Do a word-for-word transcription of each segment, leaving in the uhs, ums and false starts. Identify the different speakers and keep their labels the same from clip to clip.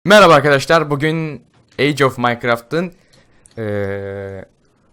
Speaker 1: Merhaba arkadaşlar, bugün Age of Minecraft'ın ee,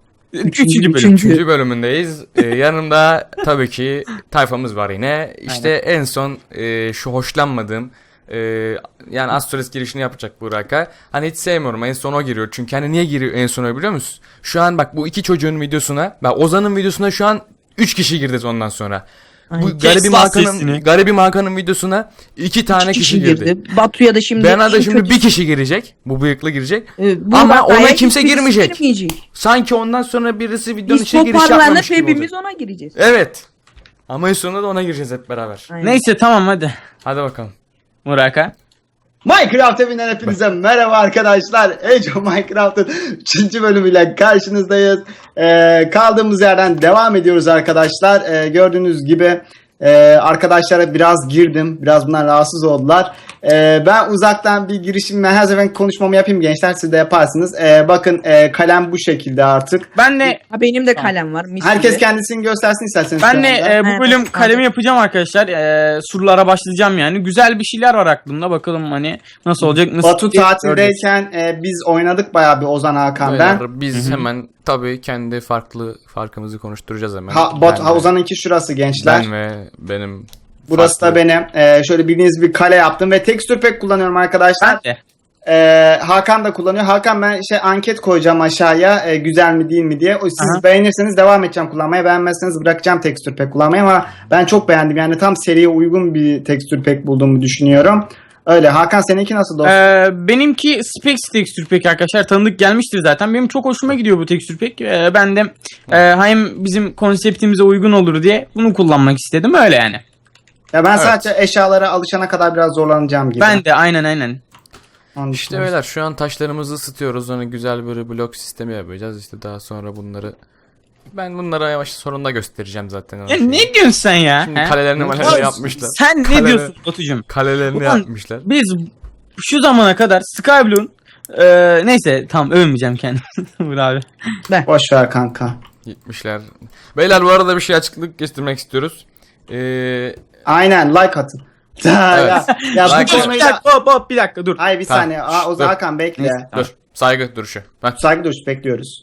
Speaker 2: Üçüncü bölüm.
Speaker 1: üçüncü bölümündeyiz. Ee, yanımda tabii ki tayfamız var yine. İşte en son ee, şu hoşlanmadığım ee, yani Astrolis girişini yapacak Burak'a. Hani hiç sevmiyorum, en son o giriyor. Çünkü hani niye giriyor en sona biliyor musun? Şu an bak bu iki çocuğun videosuna, bak Ozan'ın videosuna şu an üç kişi girdi ondan sonra.
Speaker 2: Ay,
Speaker 1: Bu garibim
Speaker 2: kes
Speaker 1: Hakan'ın
Speaker 2: sesini.
Speaker 1: garibim Hakan'ın videosuna iki tane
Speaker 2: İki
Speaker 1: kişi, girdi.
Speaker 2: Batu'ya da şimdi
Speaker 1: Bana da
Speaker 2: en
Speaker 1: şimdi
Speaker 2: kötü-
Speaker 1: bir kişi girecek. Bu bıyıklı girecek.
Speaker 2: Ee, bu
Speaker 1: Ama
Speaker 2: Batu'ya
Speaker 1: ona
Speaker 2: hiç
Speaker 1: kimse
Speaker 2: birisi
Speaker 1: girmeyecek.
Speaker 2: girmeyecek.
Speaker 1: Sanki ondan sonra birisi videonun
Speaker 2: Biz
Speaker 1: içine giriş
Speaker 2: toparlanıp
Speaker 1: yapmamış gibi
Speaker 2: hepimiz
Speaker 1: olacak.
Speaker 2: ona gireceğiz.
Speaker 1: Evet. Ama en sonunda da ona gireceğiz hep beraber.
Speaker 2: Aynen.
Speaker 3: Neyse tamam hadi.
Speaker 1: Hadi bakalım.
Speaker 3: Muraka.
Speaker 4: Minecraft evinden hepinize merhaba arkadaşlar. Age of Minecraft'ın üçüncü bölümüyle karşınızdayız. Ee, kaldığımız yerden devam ediyoruz arkadaşlar. Ee, gördüğünüz gibi e, arkadaşlara biraz girdim. Biraz bundan rahatsız oldular. Ee, ben uzaktan bir girişim ve her zaman konuşmamı yapayım gençler. Siz de yaparsınız. Ee, bakın e, kalem bu şekilde artık.
Speaker 3: Ben de
Speaker 2: Ha, benim de kalem var. mis
Speaker 4: Herkes
Speaker 2: gibi.
Speaker 4: kendisini göstersin isterseniz.
Speaker 3: ben
Speaker 4: şu
Speaker 3: de
Speaker 4: anda.
Speaker 3: e, bu
Speaker 2: Evet,
Speaker 3: bölüm
Speaker 2: evet.
Speaker 3: kalemi yapacağım arkadaşlar. E, surlara başlayacağım yani. Güzel bir şeyler var aklımda. Bakalım hani nasıl olacak, nasıl
Speaker 4: Batu
Speaker 3: göreceğiz.
Speaker 4: tatildeyken e, biz oynadık bayağı bir Ozan Hakan ben.
Speaker 1: Beyler, biz hemen tabii kendi farklı farkımızı konuşturacağız hemen.
Speaker 4: Ha, Batu,
Speaker 1: Ben
Speaker 4: ha,
Speaker 1: ve-
Speaker 4: Ozan'ınki şurası gençler.
Speaker 1: Ben ve benim
Speaker 4: Burası
Speaker 1: farklı-
Speaker 4: da benim. Ee, şöyle bildiğiniz bir kale yaptım ve tekstür pack kullanıyorum arkadaşlar.
Speaker 3: Ben de.
Speaker 4: Ee, Hakan da kullanıyor. Hakan ben şey anket koyacağım aşağıya e, güzel mi değil mi diye. O, siz
Speaker 3: Aha.
Speaker 4: beğenirseniz devam edeceğim kullanmaya. Beğenmezseniz bırakacağım tekstür pack kullanmayı ama ben çok beğendim. Yani tam seriye uygun bir tekstür pack bulduğumu düşünüyorum. Öyle. Hakan seninki nasıl dostum?
Speaker 3: E, benimki Spex tekstür pack arkadaşlar. Tanıdık gelmiştir zaten. Benim çok hoşuma gidiyor bu tekstür pack. E, ben de e, hem bizim konseptimize uygun olur diye bunu kullanmak istedim. Öyle yani.
Speaker 4: Ya ben
Speaker 1: evet.
Speaker 4: sadece eşyalara alışana kadar biraz zorlanacağım gibi.
Speaker 3: Ben de aynen aynen.
Speaker 4: Onun
Speaker 1: İşte
Speaker 4: için.
Speaker 1: beyler şu an taşlarımızı ısıtıyoruz. Hani güzel böyle blok sistemi yapacağız. İşte daha sonra bunları ben bunlara yavaş sonunda göstereceğim zaten.
Speaker 3: Ya ne diyorsun sen ya?
Speaker 1: Şimdi
Speaker 3: He?
Speaker 1: kalelerini
Speaker 4: Oğlum,
Speaker 1: maleleri yapmışlar.
Speaker 3: Sen ne
Speaker 1: Kaleler-
Speaker 3: diyorsun Batucuğum?
Speaker 1: Kalelerini
Speaker 3: Ulan-
Speaker 1: yapmışlar.
Speaker 3: Biz şu zamana kadar Skyblock'un e, neyse tam övmeyeceğim kendimi. Vur abi.
Speaker 4: Boş ver kanka.
Speaker 1: Gitmişler. Beyler bu arada bir şey açıklık getirmek istiyoruz. Ee,
Speaker 4: Aynen like atın. Ya,
Speaker 1: Evet.
Speaker 4: ya, ya bu
Speaker 1: Like-
Speaker 3: Bir
Speaker 4: konuyu da...
Speaker 3: dakika hop hop bir dakika dur.
Speaker 4: Ay bir
Speaker 1: Tamam.
Speaker 4: saniye. Aa, Ozan
Speaker 1: Dur.
Speaker 4: Hakan bekle.
Speaker 3: Neyse.
Speaker 1: dur. Saygı duruşu. Heh,
Speaker 4: Saygı duruşu bekliyoruz.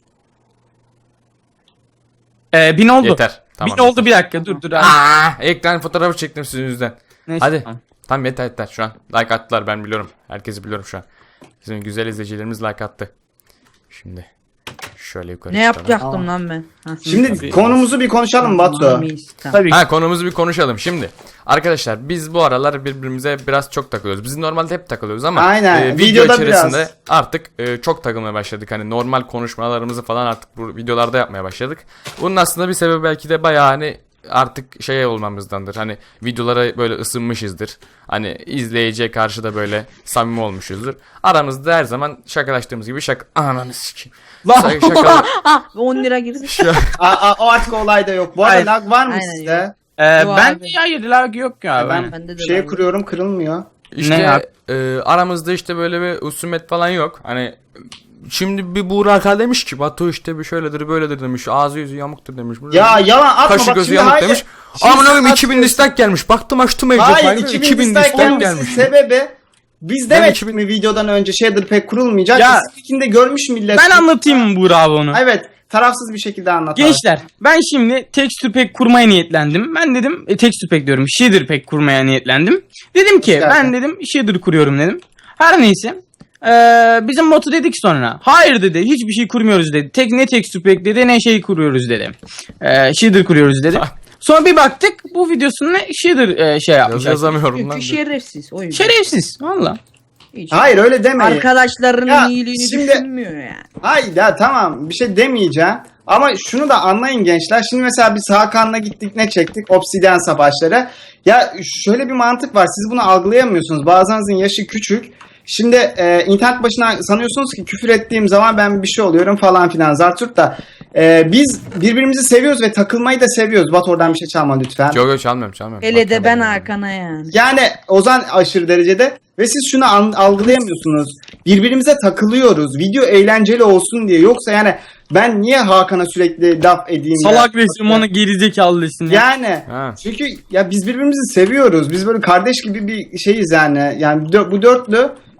Speaker 3: Ee, bin oldu.
Speaker 1: yeter. Tamam.
Speaker 3: Bin oldu bir dakika dur dur abi.
Speaker 1: Aa, ekran fotoğrafı çektim sizin yüzünden.
Speaker 3: Neyse,
Speaker 1: Hadi.
Speaker 3: tamam.
Speaker 1: Tamam yeter yeter şu an. Like attılar ben biliyorum. Herkesi biliyorum şu an. Bizim güzel izleyicilerimiz like attı. Şimdi şöyle yukarı
Speaker 2: Ne
Speaker 1: çıkalım.
Speaker 2: yapacaktım lan ben? Ha,
Speaker 4: Şimdi
Speaker 3: Tabii.
Speaker 4: konumuzu bir konuşalım Batu.
Speaker 2: Tamam, iyiyiz, tamam.
Speaker 3: Tabii ki.
Speaker 1: Ha konumuzu bir konuşalım şimdi. Arkadaşlar biz bu aralar birbirimize biraz çok takılıyoruz. Biz normalde hep takılıyoruz ama
Speaker 4: Aynen,
Speaker 1: e, video
Speaker 4: videoda
Speaker 1: içerisinde
Speaker 4: biraz.
Speaker 1: artık e, çok takılmaya başladık. Hani normal konuşmalarımızı falan artık bu videolarda yapmaya başladık. Bunun aslında bir sebebi belki de bayağı hani artık şey olmamızdandır. Hani videolara böyle ısınmışızdır. Hani izleyiciye karşı da böyle samimi olmuşuzdur. Aramızda her zaman şakalaştığımız gibi şaka... Ananı sikeyim.
Speaker 3: Lan!
Speaker 1: Şaka- şaka-
Speaker 2: Ah, on lira girsin.
Speaker 1: Şu-
Speaker 4: Aa, aa, o artık olay da yok. Bu arada
Speaker 3: Hayır.
Speaker 4: lag var mı
Speaker 2: Aynen,
Speaker 4: sizde?
Speaker 2: yok.
Speaker 3: Ee,
Speaker 2: Yo
Speaker 3: ben
Speaker 2: abi.
Speaker 3: de hayır lag yok ya.
Speaker 4: Ben
Speaker 3: Ben...
Speaker 2: Bende de
Speaker 4: şey
Speaker 2: var.
Speaker 4: kuruyorum kırılmıyor.
Speaker 1: İşte
Speaker 3: Ne yap-
Speaker 1: e, aramızda işte böyle bir husumet falan yok. Hani şimdi bir Burak demiş ki Batu işte bir şöyledir böyledir demiş. Ağzı yüzü yamuktur demiş.
Speaker 4: Ya yalan atma
Speaker 1: Kaşı
Speaker 4: bak
Speaker 1: gözü
Speaker 4: şimdi
Speaker 1: yamuk
Speaker 4: hayır.
Speaker 1: demiş.
Speaker 4: Şimdi
Speaker 1: Aman
Speaker 4: sen
Speaker 1: oğlum iki bin
Speaker 4: atıyorsun.
Speaker 1: dislike gelmiş. Baktım açtım evde.
Speaker 4: Hayır
Speaker 1: Hayır,
Speaker 4: iki bin dislike gelmesinin sebebi biz
Speaker 1: Ben
Speaker 4: demedik
Speaker 1: iki bin
Speaker 4: mi videodan önce shader pack kurulmayacak.
Speaker 3: Ya,
Speaker 4: İkinde görmüş millet.
Speaker 3: ben anlatayım mı Buğra abi onu?
Speaker 4: Evet tarafsız bir şekilde anlat. abi.
Speaker 3: Gençler ben şimdi texture pack kurmaya niyetlendim. Ben dedim e, texture pack diyorum. Shader pack kurmaya niyetlendim. Dedim ki
Speaker 4: Hoş
Speaker 3: ben
Speaker 4: geldin.
Speaker 3: dedim shader kuruyorum dedim. Her neyse. Ee, bizim botu dedik sonra. Hayır dedi hiçbir şey kurmuyoruz dedi. Tek ne texture pack dedi ne şey kuruyoruz dedi. Ee, shader kuruyoruz dedi. Sonra bir baktık bu videosunu shader e, şey yapmış.
Speaker 1: Yaz yazamıyorum lan.
Speaker 2: Çünkü şerefsiz. O yüzden.
Speaker 3: Şerefsiz valla.
Speaker 2: Hiç.
Speaker 4: Hayır öyle demeyin.
Speaker 2: Arkadaşlarının
Speaker 4: Ya,
Speaker 2: iyiliğini
Speaker 4: şimdi-
Speaker 2: düşünmüyor yani.
Speaker 4: Hayır ya tamam bir şey demeyeceğim. Ama şunu da anlayın gençler. Şimdi mesela biz Hakan'la gittik ne çektik? Obsidian savaşları. Ya şöyle bir mantık var. Siz bunu algılayamıyorsunuz. Bazılarınızın yaşı küçük. Şimdi e, internet başına sanıyorsunuz ki küfür ettiğim zaman ben bir şey oluyorum falan filan. Zartürt da e, biz birbirimizi seviyoruz ve takılmayı da seviyoruz. Bat oradan bir şey çalma lütfen.
Speaker 1: Yok yok çalmıyorum çalmıyorum.
Speaker 2: Hele de
Speaker 1: Bak,
Speaker 2: ben
Speaker 1: yani.
Speaker 2: Hakan'a yani.
Speaker 4: Yani Ozan aşırı derecede ve siz şunu an- algılayamıyorsunuz. Birbirimize takılıyoruz. Video eğlenceli olsun diye. Yoksa yani ben niye Hakan'a sürekli laf edeyim?
Speaker 3: Salak
Speaker 4: ya?
Speaker 3: resim onu gerizekalı desin ya.
Speaker 4: Yani
Speaker 1: Ha.
Speaker 4: çünkü ya biz birbirimizi seviyoruz. Biz böyle kardeş gibi bir şeyiz yani. Yani dö- bu dörtlü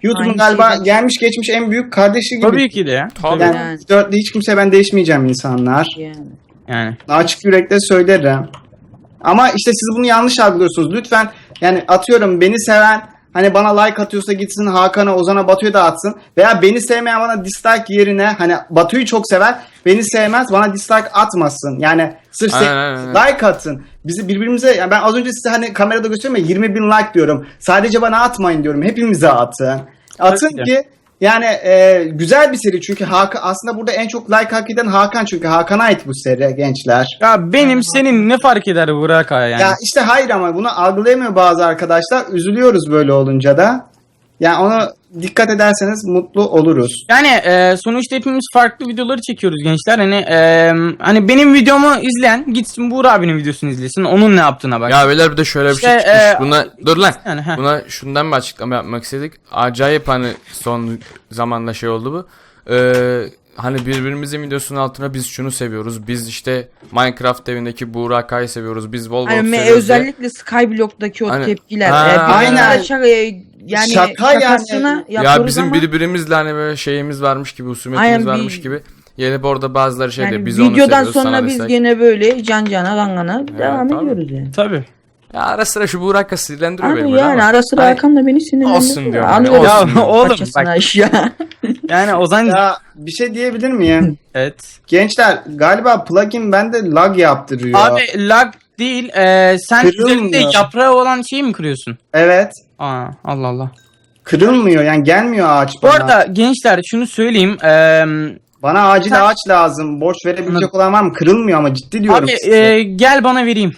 Speaker 4: YouTube'un
Speaker 2: Aynı
Speaker 4: galiba
Speaker 2: şeyden-
Speaker 4: gelmiş geçmiş en büyük kardeşi gibi.
Speaker 3: Tabii ki de ya.
Speaker 1: Tabii.
Speaker 4: Yani,
Speaker 2: Yani.
Speaker 4: dörtlü hiç kimse ben değişmeyeceğim insanlar.
Speaker 2: Yani.
Speaker 3: Yani.
Speaker 4: Açık yürekle söylerim. Ama işte siz bunu yanlış algılıyorsunuz. Lütfen yani atıyorum beni seven hani bana like atıyorsa gitsin Hakan'a, Ozan'a, Batu'ya da atsın. Veya beni sevmeyen bana dislike yerine hani Batu'yu çok sever, beni sevmez bana dislike atmasın. Yani sırf
Speaker 1: Aynen,
Speaker 4: sev-
Speaker 1: aynen,
Speaker 4: like atın. Bizi birbirimize yani ben az önce size hani kamerada gösteriyorum ya yirmi bin like diyorum. Sadece bana atmayın diyorum. Hepimize atın. Atın
Speaker 3: Tabii
Speaker 4: ki yani e, güzel bir seri çünkü Hakan aslında burada en çok like hak eden Hakan çünkü Hakan'a ait bu seri gençler.
Speaker 3: Ya benim senin ne fark eder Burak abi yani.
Speaker 4: Ya işte hayır ama bunu algılayamıyor bazı arkadaşlar. Üzülüyoruz böyle olunca da. Yani onu dikkat ederseniz mutlu oluruz.
Speaker 3: Yani e, sonuçta hepimiz farklı videoları çekiyoruz gençler. Hani e, hani benim videomu izleyen gitsin Buğra abinin videosunu izlesin. Onun ne yaptığına bak.
Speaker 1: Ya beyler bir de şöyle bir şey
Speaker 3: İşte,
Speaker 1: çıkmış.
Speaker 3: e,
Speaker 1: Buna dur lan.
Speaker 3: Yani, heh.
Speaker 1: Buna şundan bir açıklama yapmak istedik. Acayip hani son zamanda şey oldu bu. Ee, hani birbirimizin videosunun altına biz şunu seviyoruz. Biz işte Minecraft evindeki Burak'ı seviyoruz. Biz Volvo
Speaker 2: Hani me-
Speaker 1: seviyoruz. diye.
Speaker 2: özellikle Skyblock'taki o
Speaker 1: Hani-
Speaker 2: tepkiler.
Speaker 1: Ha,
Speaker 2: e, birbirine
Speaker 4: aynen.
Speaker 2: şaka, e, yani
Speaker 4: Şaka yani.
Speaker 2: şakasını
Speaker 1: Ya
Speaker 2: yapıyoruz
Speaker 1: bizim
Speaker 2: ama
Speaker 1: birbirimizle hani böyle şeyimiz varmış gibi, husumetimiz
Speaker 2: Aynen,
Speaker 1: varmış
Speaker 2: bir-
Speaker 1: gibi. Gelip orada bazıları şey
Speaker 2: yani
Speaker 1: diyor. Biz onu
Speaker 2: videodan
Speaker 1: seviyoruz,
Speaker 2: sonra
Speaker 1: sana
Speaker 2: biz
Speaker 1: destek.
Speaker 2: gene böyle can cana gangana devam
Speaker 1: tabii.
Speaker 2: ediyoruz yani.
Speaker 3: Tabii.
Speaker 1: Ya ara sıra şu Burak'ı sinirlendiriyor beni
Speaker 2: Abi
Speaker 1: böyle
Speaker 2: yani
Speaker 1: ama.
Speaker 2: ara sıra
Speaker 1: Hani-
Speaker 2: Hakan da beni sinirlendiriyor.
Speaker 1: Olsun diyorum
Speaker 2: Alıyor
Speaker 1: hani,
Speaker 3: Ya
Speaker 1: olsun.
Speaker 3: oğlum
Speaker 2: paçasını
Speaker 3: bak
Speaker 2: aşağı.
Speaker 3: yani Ozan
Speaker 4: Ya bir şey diyebilir miyim?
Speaker 3: evet.
Speaker 4: Gençler galiba plugin bende lag yaptırıyor.
Speaker 3: Abi lag değil. E, sen
Speaker 4: Kırılmıyor.
Speaker 3: üzerinde yaprağı olan şeyi mi kırıyorsun?
Speaker 4: Evet.
Speaker 3: Aa Allah Allah.
Speaker 4: Kırılmıyor yani gelmiyor ağaç
Speaker 3: Bu
Speaker 4: bana.
Speaker 3: arada gençler şunu söyleyeyim. E,
Speaker 4: Bana acil
Speaker 3: Sen-
Speaker 4: ağaç lazım. Borç verebilecek
Speaker 3: Anladım.
Speaker 4: olan var mı? Kırılmıyor ama ciddi diyorum
Speaker 3: abi
Speaker 4: size.
Speaker 3: e, gel bana vereyim.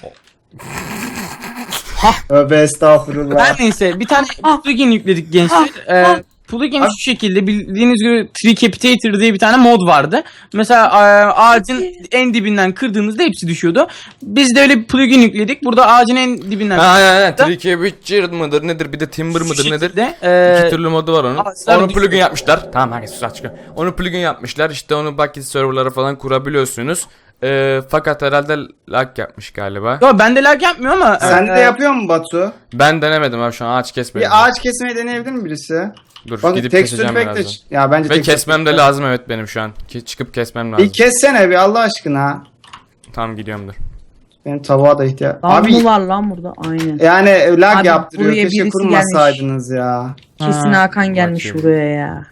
Speaker 4: Tövbe estağfurullah.
Speaker 3: Her neyse bir tane
Speaker 2: Ah.
Speaker 3: plugin yükledik gençler.
Speaker 2: Ah.
Speaker 3: Ee,
Speaker 2: Ah.
Speaker 3: plugin
Speaker 4: Abi-
Speaker 3: şu şekilde bildiğiniz gibi Tricapitator diye bir tane mod vardı. Mesela e, ağacın en dibinden kırdığınızda hepsi düşüyordu. Biz de öyle bir plugin yükledik. Burada ağacın en dibinden
Speaker 1: Ha ha ha. Tricky Witcher mıdır nedir bir de Timber
Speaker 3: şu
Speaker 1: mıdır nedir?
Speaker 3: şekilde, e,
Speaker 1: İki türlü modu var onun.
Speaker 3: ağaçlar
Speaker 1: Onu
Speaker 3: düşüyor.
Speaker 1: plugin yapmışlar. Tamam herkes sus açık. Onu plugin yapmışlar. İşte onu bucket serverlara falan kurabiliyorsunuz. Ee, fakat herhalde lag yapmış galiba.
Speaker 3: Yo, bende lag yapmıyor ama
Speaker 4: Sen
Speaker 3: e,
Speaker 4: de yapıyor mu Batu?
Speaker 1: Ben denemedim abi şu an ağaç kesmedim.
Speaker 4: Bir ağaç kesmeyi deneyebilir mi birisi?
Speaker 1: Dur
Speaker 4: Bak
Speaker 1: gidip
Speaker 4: tekstür
Speaker 1: keseceğim
Speaker 4: pek de...
Speaker 1: birazdan.
Speaker 4: Ya bence
Speaker 1: Ve
Speaker 4: tekstür
Speaker 1: kesmem de
Speaker 4: pek-
Speaker 1: lazım evet benim şu an. Ki çıkıp kesmem lazım.
Speaker 4: Bir kessene bir Allah aşkına.
Speaker 1: Tamam gidiyorum dur.
Speaker 4: Benim tavuğa da ihtiyaç.
Speaker 2: Abi
Speaker 4: Abi
Speaker 2: mı var lan burada? Aynen.
Speaker 4: yani lag
Speaker 2: Abi,
Speaker 4: yaptırıyor.
Speaker 2: buraya
Speaker 4: Keşke
Speaker 2: birisi
Speaker 4: kurmasaydınız ya.
Speaker 2: Kesin
Speaker 3: Ha,
Speaker 2: Hakan gelmiş
Speaker 1: bakayım.
Speaker 2: buraya ya.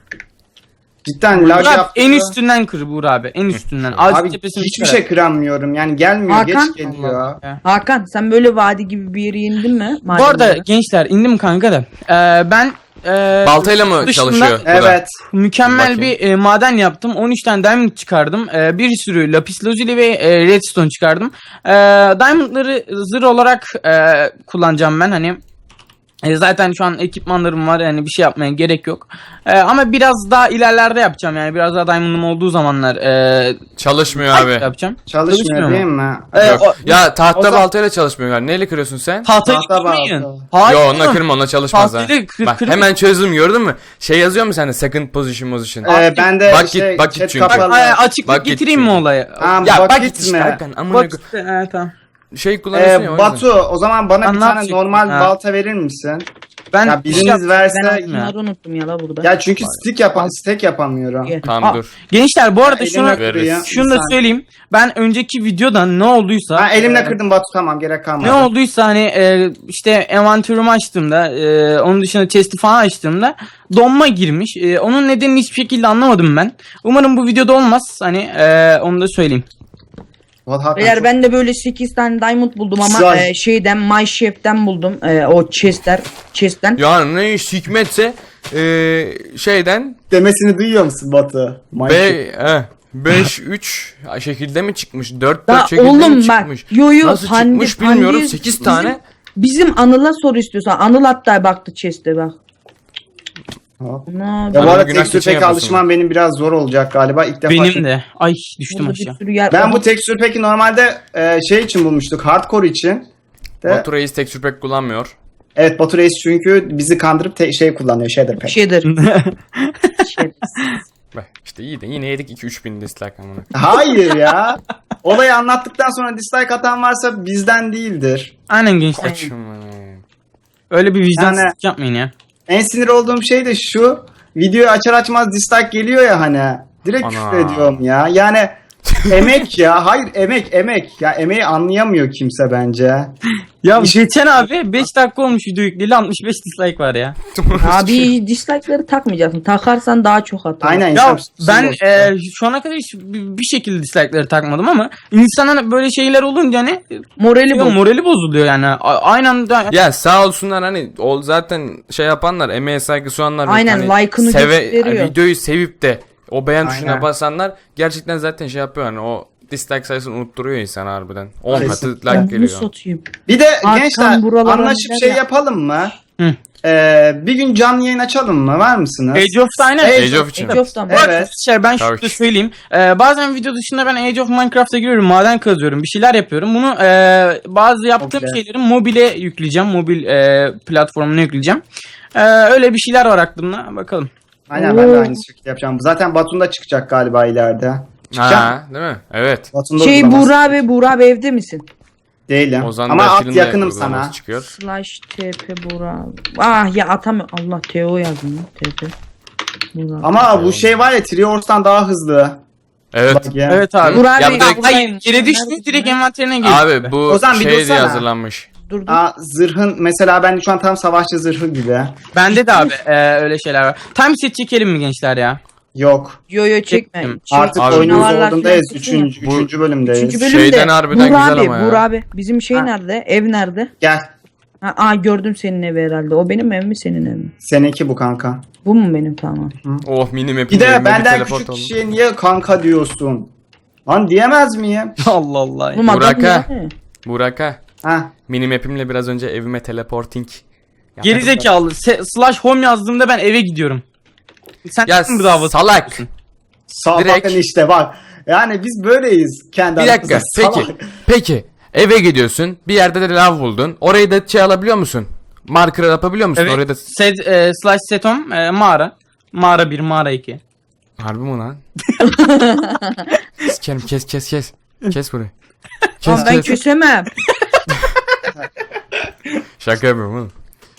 Speaker 4: Cidden lag
Speaker 3: Burak,
Speaker 4: yaptırıyor.
Speaker 3: en üstünden kır Buğra abi. En üstünden. Ağacın
Speaker 4: Abi
Speaker 3: tepesini
Speaker 4: hiçbir
Speaker 3: çıkar.
Speaker 4: şey kıramıyorum. Yani gelmiyor
Speaker 2: Hakan?
Speaker 4: geç geliyor.
Speaker 2: Hakan sen böyle vadi gibi bir yere indin mi?
Speaker 3: Bu arada
Speaker 2: Madenlere?
Speaker 3: gençler indim kanka da. Ee, ben e,
Speaker 1: Baltayla mı
Speaker 3: dışında-
Speaker 1: çalışıyor? bu da?
Speaker 4: Evet.
Speaker 3: mükemmel
Speaker 1: Bakayım.
Speaker 3: bir e, maden yaptım. on üç tane diamond çıkardım. E, bir sürü lapis lazuli ve e, redstone çıkardım. E, diamondları zırh olarak e, kullanacağım ben hani. E, zaten şu an ekipmanlarım var yani bir şey yapmaya gerek yok. E, ama biraz daha ilerlerde yapacağım yani biraz daha diamond'ım olduğu zamanlar e,
Speaker 1: Çalışmıyor abi.
Speaker 3: yapacağım.
Speaker 4: Çalışmıyor
Speaker 3: Çalışmıyor
Speaker 4: değil mi?
Speaker 3: E,
Speaker 1: Yok.
Speaker 3: o-
Speaker 1: Ya tahta
Speaker 4: o zaman-
Speaker 1: baltayla çalışmıyor galiba. Neyle kırıyorsun sen?
Speaker 3: Tahtayı
Speaker 4: Tahta
Speaker 3: kırmayın.
Speaker 4: balta.
Speaker 3: Hayır.
Speaker 1: Yo onunla kırma onunla çalışmaz ha.
Speaker 3: Tahtayla kır-
Speaker 1: Bak
Speaker 3: kır-
Speaker 1: hemen çözdüm gördün mü? Şey yazıyor mu sende second position position?
Speaker 4: Ee, ben de
Speaker 1: Bak
Speaker 4: şey,
Speaker 1: git, bak git
Speaker 4: chat
Speaker 1: çünkü.
Speaker 4: kapalı.
Speaker 3: Ay, açıklık
Speaker 1: Bak git
Speaker 3: getireyim mi
Speaker 1: çünkü.
Speaker 3: olayı?
Speaker 4: Tamam,
Speaker 1: Ya
Speaker 4: bak
Speaker 1: bak git
Speaker 4: gitme.
Speaker 1: işte Hakan amına
Speaker 3: Bak
Speaker 1: koy-
Speaker 3: işte, evet, tamam.
Speaker 1: şey kullanıyorsun
Speaker 4: Ee,
Speaker 1: ya o yüzden.
Speaker 4: Batu o zaman bana bir
Speaker 3: Lan ne
Speaker 4: tane
Speaker 3: yapacaksın?
Speaker 4: normal
Speaker 3: Ha.
Speaker 4: balta verir misin?
Speaker 3: Ben
Speaker 4: Ya biriniz
Speaker 3: şey yap-
Speaker 4: verse
Speaker 2: Ben
Speaker 3: ya.
Speaker 2: bunları unuttum ya la burada.
Speaker 4: ya çünkü stick yapan stick yapamıyorum.
Speaker 2: Gel.
Speaker 1: Tamam
Speaker 3: Aa,
Speaker 1: dur.
Speaker 3: Gençler bu arada
Speaker 4: Elimle
Speaker 3: şunu
Speaker 1: veririz.
Speaker 3: şunu da söyleyeyim. Ben önceki videoda ne olduysa
Speaker 4: Ben elimle
Speaker 3: e,
Speaker 4: kırdım Batu tamam gerek kalmadı.
Speaker 3: ne olduysa hani e, işte envantörümü açtığımda e, onun dışında chest'i falan açtığımda donma girmiş. E, onun nedenini hiçbir şekilde anlamadım ben. Umarım bu videoda olmaz. Hani e, onu da söyleyeyim.
Speaker 4: Vallahi Hakan
Speaker 2: Eğer
Speaker 4: çok-
Speaker 2: ben de böyle sekiz tane diamond buldum ama
Speaker 4: Güzel.
Speaker 2: e, şeyden My Chef'ten buldum. E, o chestler chest'ten.
Speaker 1: Yani ne iş hikmetse eee, şeyden
Speaker 4: demesini duyuyor musun Batu?
Speaker 1: be eh, beş üç şekilde mi çıkmış? dört
Speaker 2: Da
Speaker 1: dört şekilde
Speaker 2: oğlum
Speaker 1: mi
Speaker 2: bak,
Speaker 1: çıkmış?
Speaker 2: yo yo,
Speaker 1: Nasıl
Speaker 2: pandi-
Speaker 1: çıkmış bilmiyorum.
Speaker 2: pandi-
Speaker 1: sekiz
Speaker 2: bizim-
Speaker 1: tane.
Speaker 2: Bizim Anıl'a sor istiyorsan. Anıl hatta baktı chest'e bak.
Speaker 4: Hop.
Speaker 2: Ana,
Speaker 4: Ya bu
Speaker 1: Bana
Speaker 4: arada
Speaker 1: günah
Speaker 4: tekstür
Speaker 1: keçen
Speaker 4: pek
Speaker 1: yapıyorsun
Speaker 4: alışmam benim biraz zor olacak galiba. İlk defa.
Speaker 3: Benim de. Ay düştüm
Speaker 2: burada bir
Speaker 3: aşağı.
Speaker 2: sürü yer.
Speaker 4: Ben bu tekstür peki normalde e, şey için bulmuştuk. Hardcore için. De,
Speaker 1: Batu Reis texture pack kullanmıyor.
Speaker 4: evet Batu Reis çünkü bizi kandırıp te- şey kullanıyor. Shader pack.
Speaker 2: şeydir. Şey-
Speaker 1: Bak işte iyi de yine yedik iki üç bin dislike amına.
Speaker 4: Hayır ya. Olayı anlattıktan sonra dislike atan varsa bizden değildir.
Speaker 3: Aynen gençler.
Speaker 1: Saçma.
Speaker 3: Öyle bir vicdansızlık
Speaker 4: Yani-
Speaker 3: yapmayın ya.
Speaker 4: En sinir olduğum şey de şu. Videoyu açar açmaz dislike geliyor ya hani. Direkt
Speaker 1: Ana.
Speaker 4: küfür ediyorum ya. Yani emek ya. Hayır emek emek. Ya emeği anlayamıyor kimse bence.
Speaker 3: Ya
Speaker 4: İş-
Speaker 3: geçen abi beş dakika olmuş video yükleyeli altmış beş dislike var ya.
Speaker 2: Abi dislike'ları takmayacaksın. Takarsan daha çok atar.
Speaker 4: Aynen.
Speaker 3: Ya
Speaker 4: insan suçsuz
Speaker 3: ben
Speaker 4: olsun.
Speaker 3: e, şu ana kadar hiç bir bir şekilde dislike'ları takmadım ama insanın böyle şeyler olunca hani
Speaker 2: Morali bu.
Speaker 3: morali bozuluyor yani. A- Aynı anda
Speaker 1: Ya sağ olsunlar hani o zaten şey yapanlar, emeğe saygı suyanlar,
Speaker 2: Aynen,
Speaker 1: hani
Speaker 2: like'ını
Speaker 1: seve,
Speaker 2: gösteriyor.
Speaker 1: videoyu sevip de o beğen
Speaker 4: Aynen.
Speaker 1: tuşuna basanlar gerçekten zaten şey yapıyor hani o dislike sayısını unutturuyor insan harbiden. on katı
Speaker 4: Kesinlikle.
Speaker 1: like
Speaker 2: Ben bunu
Speaker 1: geliyor.
Speaker 2: satayım.
Speaker 4: Bir de
Speaker 2: Hakan
Speaker 4: gençler
Speaker 2: buralara
Speaker 4: anlaşıp
Speaker 2: neler
Speaker 4: şey
Speaker 2: yap-
Speaker 4: yapalım mı?
Speaker 3: Hı.
Speaker 4: Ee, bir gün canlı yayın açalım mı? Var mısınız?
Speaker 3: Age of'ta aynen.
Speaker 4: Age
Speaker 1: Age of için.
Speaker 2: Age of'tan
Speaker 4: Evet.
Speaker 2: bak.
Speaker 3: Şey, ben şunu
Speaker 1: Tabii
Speaker 3: da
Speaker 1: ki.
Speaker 3: söyleyeyim. Ee, bazen video dışında ben Age of Minecraft'a giriyorum. Maden kazıyorum. Bir şeyler yapıyorum. Bunu e, bazı yaptığım
Speaker 4: Çok güzel.
Speaker 3: şeyleri mobile yükleyeceğim. Mobil e, platformuna yükleyeceğim. E, öyle bir şeyler var aklımda. Bakalım.
Speaker 4: Aynen ben de aynı şekilde yapacağım. Zaten Batu'nda çıkacak galiba ileride. Çıkacak.
Speaker 1: Ha, değil mi? Evet.
Speaker 4: Batu'nda
Speaker 2: Şey
Speaker 4: uygulaması.
Speaker 2: Buğra abi, Buğra abi evde misin?
Speaker 4: Değilim.
Speaker 1: Ozan
Speaker 4: Ama
Speaker 1: da
Speaker 4: at
Speaker 1: filmde
Speaker 4: yakınım
Speaker 1: uygulaması
Speaker 4: sana.
Speaker 1: çıkıyor.
Speaker 2: Slash T P Buğra abi. Ah ya atamıyorum. Allah T O yazdım lan. T P. Buğra abi.
Speaker 4: Ama bu şey var ya Triors'tan daha hızlı.
Speaker 1: Evet.
Speaker 4: Bak ya.
Speaker 3: Evet abi.
Speaker 2: Buğra
Speaker 1: Ya
Speaker 2: abi.
Speaker 1: bu direkt-
Speaker 3: Hayır,
Speaker 2: Buğra-
Speaker 3: yere düştü
Speaker 2: Neredesin
Speaker 3: direkt
Speaker 2: lan?
Speaker 3: envanterine girdi.
Speaker 1: Abi bu
Speaker 4: Ozan bir
Speaker 1: şey diye
Speaker 4: dursana.
Speaker 1: hazırlanmış.
Speaker 2: Dur dur.
Speaker 4: Aa, zırhın mesela ben şu an tam savaşçı zırhı gibi.
Speaker 3: Bende de abi e, öyle şeyler var. Time set çekelim mi gençler ya?
Speaker 4: Yok.
Speaker 2: Yo yo çekme.
Speaker 3: Çektim.
Speaker 2: Çek-
Speaker 4: Artık
Speaker 1: Abi,
Speaker 4: oyunun
Speaker 2: canavarlar
Speaker 4: zorundayız.
Speaker 2: falan çıksın ya.
Speaker 4: Üçüncü,
Speaker 1: Bu-
Speaker 4: üçüncü bölümdeyiz.
Speaker 2: Üçüncü bölümde.
Speaker 1: Şeyden harbiden
Speaker 2: Buğra
Speaker 1: güzel
Speaker 2: abi,
Speaker 1: ama ya.
Speaker 2: Buğra abi. Bizim şey
Speaker 4: Ha.
Speaker 2: nerede? Ev nerede?
Speaker 4: Gel.
Speaker 2: Ha, aa gördüm senin evi herhalde. O benim ev mi senin ev mi?
Speaker 4: Seninki bu kanka.
Speaker 2: Bu mu benim tamam.
Speaker 1: Oh mini map'in
Speaker 4: Bir de
Speaker 1: elime
Speaker 4: benden
Speaker 1: teleport
Speaker 4: küçük
Speaker 1: oldu.
Speaker 4: kişiye niye kanka diyorsun? Lan diyemez miyim?
Speaker 3: Allah Allah.
Speaker 2: Oğlum adam
Speaker 1: Buraka.
Speaker 2: ya.
Speaker 1: Buraka.
Speaker 4: Ha.
Speaker 1: Mini map'imle biraz önce evime teleporting. yaptım.
Speaker 3: Gerizekalı. Se- slash home yazdığımda ben eve gidiyorum. Sen
Speaker 1: Ya
Speaker 3: mi davası
Speaker 1: salak.
Speaker 3: yapıyorsun?
Speaker 4: Sağ
Speaker 1: Direkt-
Speaker 4: bakın işte bak. Yani biz böyleyiz kendi
Speaker 1: Bir dakika.
Speaker 4: aramızda.
Speaker 1: Peki.
Speaker 4: Salak.
Speaker 1: Peki. Eve gidiyorsun. Bir yerde de lav buldun. Orayı da şey alabiliyor musun? Marker yapabiliyor musun?
Speaker 3: Evet.
Speaker 1: Orayı da...
Speaker 3: Set, e, slash set home e, mağara. Mağara bir, mağara iki.
Speaker 1: Harbi mi lan? Sikerim kes kes kes. Kes burayı.
Speaker 2: Lan
Speaker 1: Kes
Speaker 2: ben
Speaker 1: kes.
Speaker 2: küsemem.
Speaker 1: Şaka yapıyorum oğlum.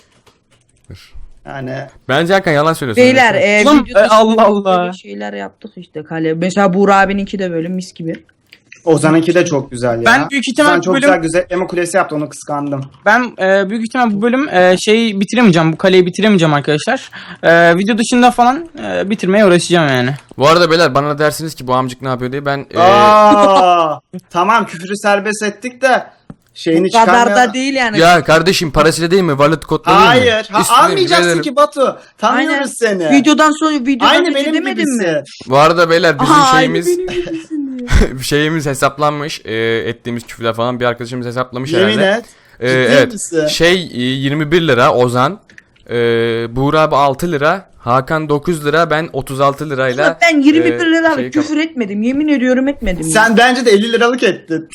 Speaker 4: Yani
Speaker 1: Bence Hakan yalan söylüyorsun.
Speaker 2: Beyler e,
Speaker 3: Oğlum,
Speaker 2: video
Speaker 3: e,
Speaker 2: dışında
Speaker 3: Allah Allah.
Speaker 2: böyle şeyler yaptık işte kale. Mesela Buğra abininki de böyle mis gibi.
Speaker 4: Ozan'ınki de çok güzel ya.
Speaker 3: Ben büyük ihtimal
Speaker 4: Ozan çok
Speaker 3: bölüm-
Speaker 4: güzel gözetleme kulesi yaptı, onu kıskandım.
Speaker 3: Ben e, büyük ihtimal bu bölüm e, şeyi bitiremeyeceğim. Bu kaleyi bitiremeyeceğim arkadaşlar. E, video dışında falan e, bitirmeye uğraşacağım yani.
Speaker 1: Bu arada beyler bana dersiniz ki bu amcık ne yapıyor diye ben e,
Speaker 4: Aa, tamam küfürü serbest ettik de şeyini
Speaker 2: Bu kadar
Speaker 4: çıkarmaya...
Speaker 2: da değil yani.
Speaker 1: ya kardeşim parasıyla değil mi? Wallet kodla değil mi?
Speaker 4: Hayır. Ha,
Speaker 1: Üstüne
Speaker 4: almayacaksın
Speaker 1: veririm.
Speaker 4: ki Batu. Tanıyoruz
Speaker 2: Aynen.
Speaker 4: seni.
Speaker 2: Videodan sonra videodan
Speaker 4: Aynı
Speaker 2: önce
Speaker 4: benim
Speaker 2: demedin
Speaker 4: gibisi.
Speaker 2: mi?
Speaker 1: Bu arada beyler bizim
Speaker 2: Aha,
Speaker 1: şeyimiz
Speaker 2: aynı benim gibisin diyor.
Speaker 1: şeyimiz hesaplanmış. E, ettiğimiz küfürler falan bir arkadaşımız hesaplamış
Speaker 4: Yemin
Speaker 1: herhalde.
Speaker 4: et.
Speaker 1: E,
Speaker 4: Ciddi
Speaker 1: evet.
Speaker 4: misin?
Speaker 1: Şey e, yirmi bir lira Ozan. E, Buğra abi altı lira. Hakan dokuz lira. Ben otuz altı lirayla.
Speaker 2: Ulan ben yirmi bir
Speaker 1: e,
Speaker 2: lira
Speaker 1: şey
Speaker 2: küfür etmedim. Yemin ediyorum etmedim.
Speaker 4: Sen bence de elli liralık ettin.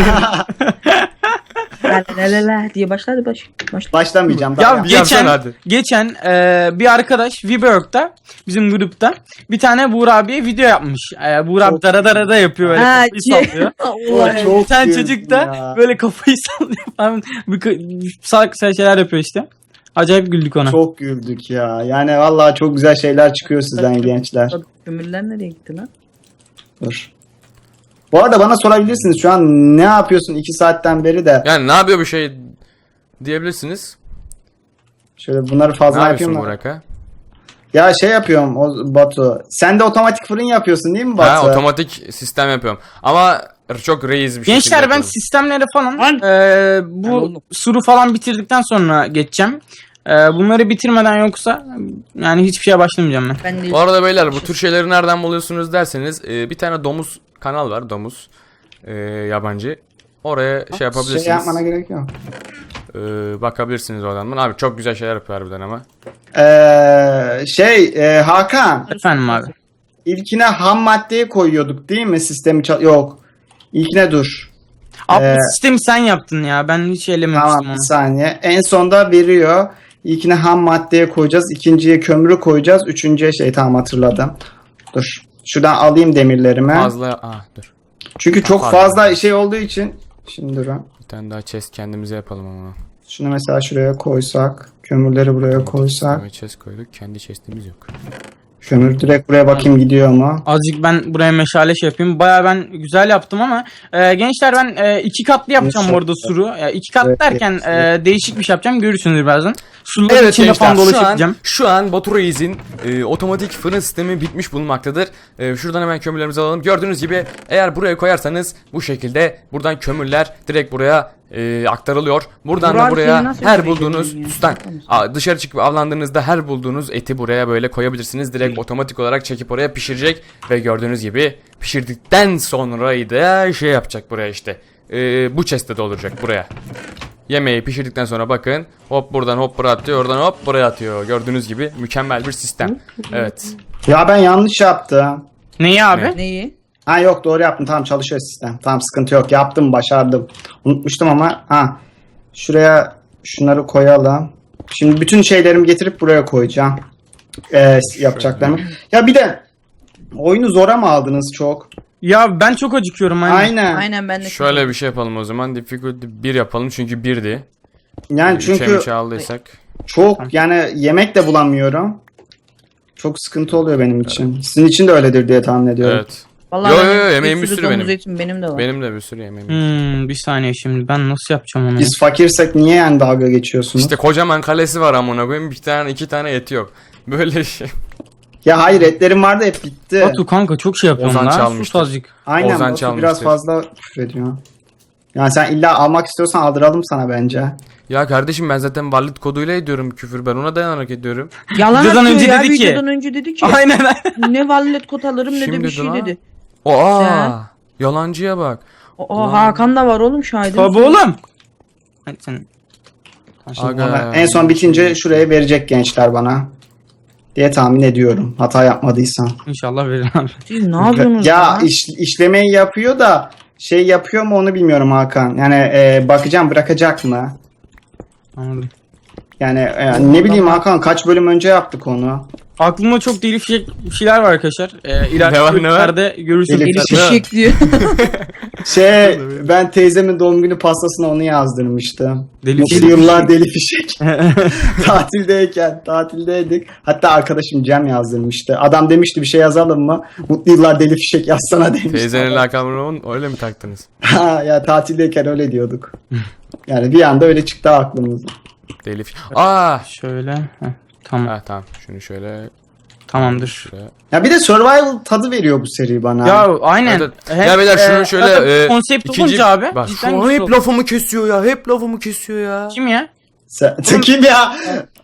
Speaker 2: La la la la diye başladı baş. Başla.
Speaker 4: Başlamayacağım. Daha
Speaker 3: Ya
Speaker 4: yap.
Speaker 1: bir yapsana
Speaker 3: geçen
Speaker 1: hadi.
Speaker 3: geçen e, bir arkadaş Viberwork'ta bizim grupta bir tane Buğra abiye video yapmış. E, Buğra abi
Speaker 4: Çok
Speaker 3: dara dara da yapıyor böyle
Speaker 2: Ha,
Speaker 3: kafayı
Speaker 2: şey-
Speaker 3: sallıyor.
Speaker 2: Allah.
Speaker 4: Çok
Speaker 3: bir tane
Speaker 4: güldüm
Speaker 3: çocuk da
Speaker 4: ya.
Speaker 3: böyle kafayı sallıyor falan. Bir k- salak salak şeyler yapıyor işte. Acayip güldük ona.
Speaker 4: Çok güldük ya. Yani vallahi çok güzel şeyler çıkıyor sizden gençler.
Speaker 2: Kömürler nereye gitti lan?
Speaker 4: Dur. Bu arada bana sorabilirsiniz şu an ne yapıyorsun iki saatten beri de.
Speaker 1: Yani ne yapıyor bu şey diyebilirsiniz.
Speaker 4: Şöyle bunları
Speaker 1: Ne
Speaker 4: fazla
Speaker 1: yapıyorsun
Speaker 4: yapayım mı?
Speaker 1: Burak'a?
Speaker 4: Ya şey yapıyorum o, Batu. Sen de otomatik fırın yapıyorsun değil mi Batu?
Speaker 1: Ha otomatik sistem yapıyorum. Ama çok reis bir şekilde
Speaker 3: Gençler ben
Speaker 1: yapıyorum.
Speaker 3: sistemleri falan
Speaker 2: Lan.
Speaker 3: e,
Speaker 2: Ben
Speaker 3: bu
Speaker 2: oldum.
Speaker 3: suru falan bitirdikten sonra geçeceğim. E, bunları bitirmeden yoksa yani hiçbir şeye başlamayacağım ben.
Speaker 2: Ben de
Speaker 1: Bu arada beyler bu tür şeyleri nereden buluyorsunuz derseniz e, bir tane domuz kanal var domuz e, yabancı. Oraya şey yapabilirsiniz.
Speaker 4: Şey yapmana gerek yok.
Speaker 1: E, bakabilirsiniz oradan. Abi çok güzel şeyler yapıyor harbiden ama.
Speaker 4: Ee, şey e, Hakan.
Speaker 3: Efendim abi.
Speaker 4: İlkine ham maddeyi koyuyorduk değil mi? Sistemi çal... Yok. İlkine dur.
Speaker 3: Abi
Speaker 4: Ee,
Speaker 3: sistemi sen yaptın ya. Ben hiç elememiştim
Speaker 4: Tamam
Speaker 3: onu.
Speaker 4: bir saniye. En sonda veriyor. İlkine ham maddeye koyacağız. İkinciye kömürü koyacağız. Üçüncüye şey tamam hatırladım. Dur. Şuradan alayım demirlerimi.
Speaker 1: Fazla ah dur.
Speaker 4: Çünkü çok
Speaker 1: Pardon.
Speaker 4: fazla şey olduğu için. Şimdi dur. ha.
Speaker 1: Bir tane daha chest kendimize yapalım ama.
Speaker 4: Şunu mesela şuraya koysak. Kömürleri buraya koysak.
Speaker 1: Ve chest koyduk. Kendi chestimiz yok.
Speaker 4: Kömür direkt buraya bakayım gidiyor mu?
Speaker 3: Azıcık ben buraya meşale şey yapayım. Baya ben güzel yaptım ama e, gençler ben e, iki katlı yapacağım bu arada suru. E, iki kat
Speaker 4: Evet,
Speaker 3: derken
Speaker 4: evet.
Speaker 3: e, değişik bir şey yapacağım. Görürsünüz birazdan. Suların
Speaker 1: Evet
Speaker 3: içinde
Speaker 1: gençler,
Speaker 3: falan
Speaker 1: şu an,
Speaker 3: dolaşacağım.
Speaker 1: şu an Batu Reis'in e, otomatik fırın sistemi bitmiş bulunmaktadır. E, şuradan hemen kömürlerimizi alalım. Gördüğünüz gibi eğer buraya koyarsanız bu şekilde buradan kömürler direkt buraya e, aktarılıyor. Buradan
Speaker 2: Burak
Speaker 1: da buraya
Speaker 2: seni nasıl
Speaker 1: her
Speaker 2: görecek
Speaker 1: bulduğunuz
Speaker 2: yani?
Speaker 1: sustan a, dışarı çıkıp avlandığınızda her bulduğunuz eti buraya böyle koyabilirsiniz. Direkt otomatik olarak çekip oraya pişirecek ve gördüğünüz gibi pişirdikten sonra da şey yapacak buraya işte. E, bu chest'te dolduracak buraya. Yemeği pişirdikten sonra bakın hop buradan hop buraya atıyor, oradan hop buraya atıyor. Gördüğünüz gibi mükemmel bir sistem. Evet.
Speaker 4: Ya ben yanlış yaptım.
Speaker 3: Neyi abi?
Speaker 2: Neyi?
Speaker 4: Ha yok doğru yaptım. Tamam çalışıyor sistem. Tamam sıkıntı yok. Yaptım başardım. Unutmuştum ama ha. Şuraya şunları koyalım. Şimdi bütün şeylerimi getirip buraya koyacağım. Ee, yapacaklarımı. Ya bir de oyunu zora mı aldınız çok?
Speaker 3: Ya ben çok acıkıyorum. Aynen.
Speaker 4: Aynen.
Speaker 2: Aynen ben de.
Speaker 1: Şöyle bir şey yapalım o zaman. Difficulty bir yapalım çünkü birdi.
Speaker 4: Yani
Speaker 1: Çünkü
Speaker 4: çünkü
Speaker 1: üçe aldıysak.
Speaker 4: çok yani yemek de bulamıyorum. Çok sıkıntı oluyor benim için. Sizin için de öyledir diye tahmin ediyorum.
Speaker 1: Evet.
Speaker 2: Vallahi
Speaker 1: Yo,
Speaker 2: benim
Speaker 1: yo, yo, yemeğim bir
Speaker 2: sürü
Speaker 1: sürü
Speaker 2: domuz
Speaker 1: benim.
Speaker 2: etim benim de var.
Speaker 1: Benim de bir sürü yemeğim. var.
Speaker 3: Hmm, bir saniye şimdi ben nasıl yapacağım onu?
Speaker 4: Biz fakirsek niye yani dalga geçiyorsunuz?
Speaker 1: İşte kocaman kalesi var amına koyayım. Bir tane iki tane eti yok. Böyle şey.
Speaker 4: Ya hayır etlerim vardı hep bitti.
Speaker 3: Batu kanka çok şey yapıyorum
Speaker 1: Ozan
Speaker 3: lan.
Speaker 1: çalmıştır.
Speaker 3: Sus azıcık.
Speaker 4: Aynen
Speaker 1: Ozan
Speaker 4: Batu
Speaker 1: çalmıştır.
Speaker 4: biraz fazla küfür ediyor. Yani sen illa almak istiyorsan aldıralım sana bence.
Speaker 1: Ya kardeşim ben zaten varlık koduyla ediyorum küfür. Ben ona dayanarak ediyorum.
Speaker 2: Yalan
Speaker 3: Videodan
Speaker 2: atıyor
Speaker 3: önce
Speaker 2: ya.
Speaker 3: dedi ki-
Speaker 2: Videodan önce dedi ki.
Speaker 3: Aynen aynen.
Speaker 2: Ne vallet kot alırım ne de
Speaker 1: Şimdi
Speaker 2: bir şey
Speaker 1: de lan.
Speaker 2: dedi.
Speaker 1: Aa!
Speaker 2: Sen?
Speaker 1: Yalancıya bak.
Speaker 2: O Hakan da var oğlum şahidim.
Speaker 3: Tabi oğlum. Hadi sen.
Speaker 1: Aga.
Speaker 4: Ona en son bitince şuraya verecek gençler bana. Diye tahmin ediyorum. Hata yapmadıysam.
Speaker 3: İnşallah verir abi.
Speaker 2: Siz ne yapıyorsunuz
Speaker 4: Ya
Speaker 2: ya?
Speaker 4: iş, işlemeyi yapıyor da şey yapıyor mu onu bilmiyorum Hakan. Yani e, bakacağım bırakacak mı?
Speaker 3: Anladım.
Speaker 4: Yani e, ne bileyim Hakan kaç bölüm önce yaptık onu.
Speaker 3: Aklımda çok değişik şeyler var arkadaşlar. Ee, ileriki
Speaker 1: Ne var, ne var?
Speaker 3: bölümlerde görürsünüz.
Speaker 4: Deli
Speaker 2: Eli
Speaker 4: fişek.
Speaker 2: fişek diyor.
Speaker 4: Şey ben teyzemin doğum günü pastasına onu yazdırmıştım.
Speaker 3: Deli
Speaker 4: Mutlu
Speaker 3: fişek.
Speaker 4: yıllar deli fişek. Tatildeyken tatildeydik. Hatta arkadaşım Cem yazdırmıştı. Adam demişti bir şey yazalım mı? Mutlu yıllar deli fişek yazsana demişti.
Speaker 1: Teyzenin lakabını öyle mi taktınız?
Speaker 4: Ha, ya tatildeyken öyle diyorduk. Yani bir anda öyle çıktı aklımıza.
Speaker 1: Deli fi- Aa!
Speaker 3: Şöyle. Heh, tamam.
Speaker 1: Ha tamam. Şunu şöyle
Speaker 3: Tamamdır.
Speaker 1: şuraya.
Speaker 4: Ya bir de survival tadı veriyor bu seri bana.
Speaker 3: Ya aynen.
Speaker 1: Evet, evet.
Speaker 3: Hep,
Speaker 1: Ya beyler şunu
Speaker 3: e,
Speaker 1: şöyle
Speaker 3: zaten
Speaker 1: e,
Speaker 3: konsept
Speaker 1: ikinci-
Speaker 3: olunca abi.
Speaker 1: Bak
Speaker 3: cidden
Speaker 1: şu
Speaker 3: güzel
Speaker 1: hep
Speaker 3: oldu.
Speaker 1: lafımı kesiyor ya. Hep lafımı kesiyor ya.
Speaker 3: Kim ya?
Speaker 4: Sen, sen kim ya?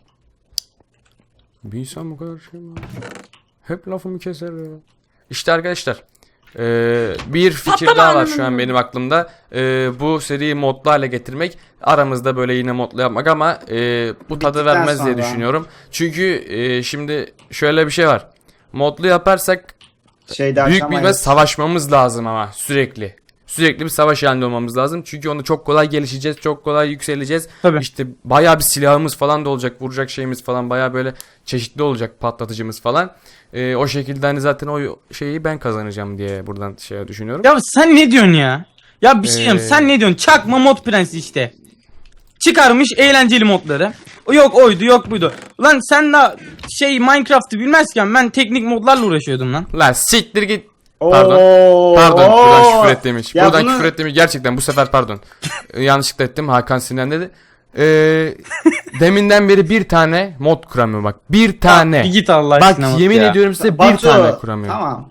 Speaker 1: Bir insan bu kadar şey mi? Hep lafımı keser ya. İşte arkadaşlar. eee, bir fikir daha var şu an benim aklımda. Eee, bu seriyi modlu hale getirmek. Aramızda böyle yine modlu yapmak ama eee, bu tadı
Speaker 4: Bittikten
Speaker 1: vermez diye
Speaker 4: sonra.
Speaker 1: düşünüyorum. Çünkü eee, şimdi şöyle bir şey var. Modlu yaparsak
Speaker 4: Şeyde
Speaker 1: büyük bir
Speaker 4: aşamayız.
Speaker 1: savaşmamız lazım ama sürekli. Sürekli bir savaş halinde olmamız lazım. Çünkü onu çok kolay gelişeceğiz, çok kolay yükseleceğiz.
Speaker 3: Tabii.
Speaker 1: İşte bayağı bir silahımız falan da olacak, vuracak şeyimiz falan bayağı böyle çeşitli olacak, patlatıcımız falan. Ee, o şekilde hani zaten o şeyi ben kazanacağım diye buradan şey düşünüyorum.
Speaker 3: Ya sen ne diyorsun ya? Ya bir şey diyeyim,
Speaker 1: Ee,
Speaker 3: sen ne diyorsun? Çakma mod prensi işte. Çıkarmış eğlenceli modları. Yok oydu yok buydu. Lan sen de şey Minecraft'ı bilmezken ben teknik modlarla uğraşıyordum lan.
Speaker 1: Lan siktir git.
Speaker 4: Oo,
Speaker 1: Pardon. Pardon.
Speaker 4: oo.
Speaker 1: Buradan küfür et demiş.
Speaker 4: Ya
Speaker 1: buradan
Speaker 4: bunu-
Speaker 1: küfür et demiş. Gerçekten bu sefer pardon. Ee, yanlışlıkla ettim. Hakan Sinan dedi. Ee, deminden beri bir tane mod kuramıyor bak. Bir tane.
Speaker 3: Bir git Allah
Speaker 1: Bak
Speaker 3: aşkına bak
Speaker 1: yemin
Speaker 3: ya.
Speaker 1: ediyorum size bir
Speaker 4: Batu,
Speaker 1: tane kuramıyor.
Speaker 4: Tamam.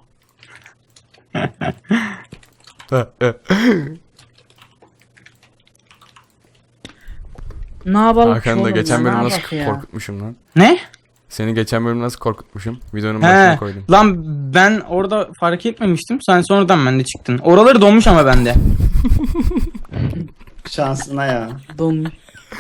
Speaker 2: Ne yapalım
Speaker 1: Hakan da
Speaker 2: oğlum
Speaker 1: geçen
Speaker 2: ya,
Speaker 1: bölüm
Speaker 2: ne
Speaker 1: nasıl
Speaker 2: yapak ya?
Speaker 1: korkutmuşum lan.
Speaker 3: Ne?
Speaker 1: Seni geçen bölüm nasıl korkutmuşum. Videonun başına
Speaker 3: He.
Speaker 1: koydum.
Speaker 3: Lan ben orada fark etmemiştim. Sen sonradan bende çıktın. Oraları donmuş ama bende.
Speaker 4: Şansına ya.
Speaker 2: Donmuş.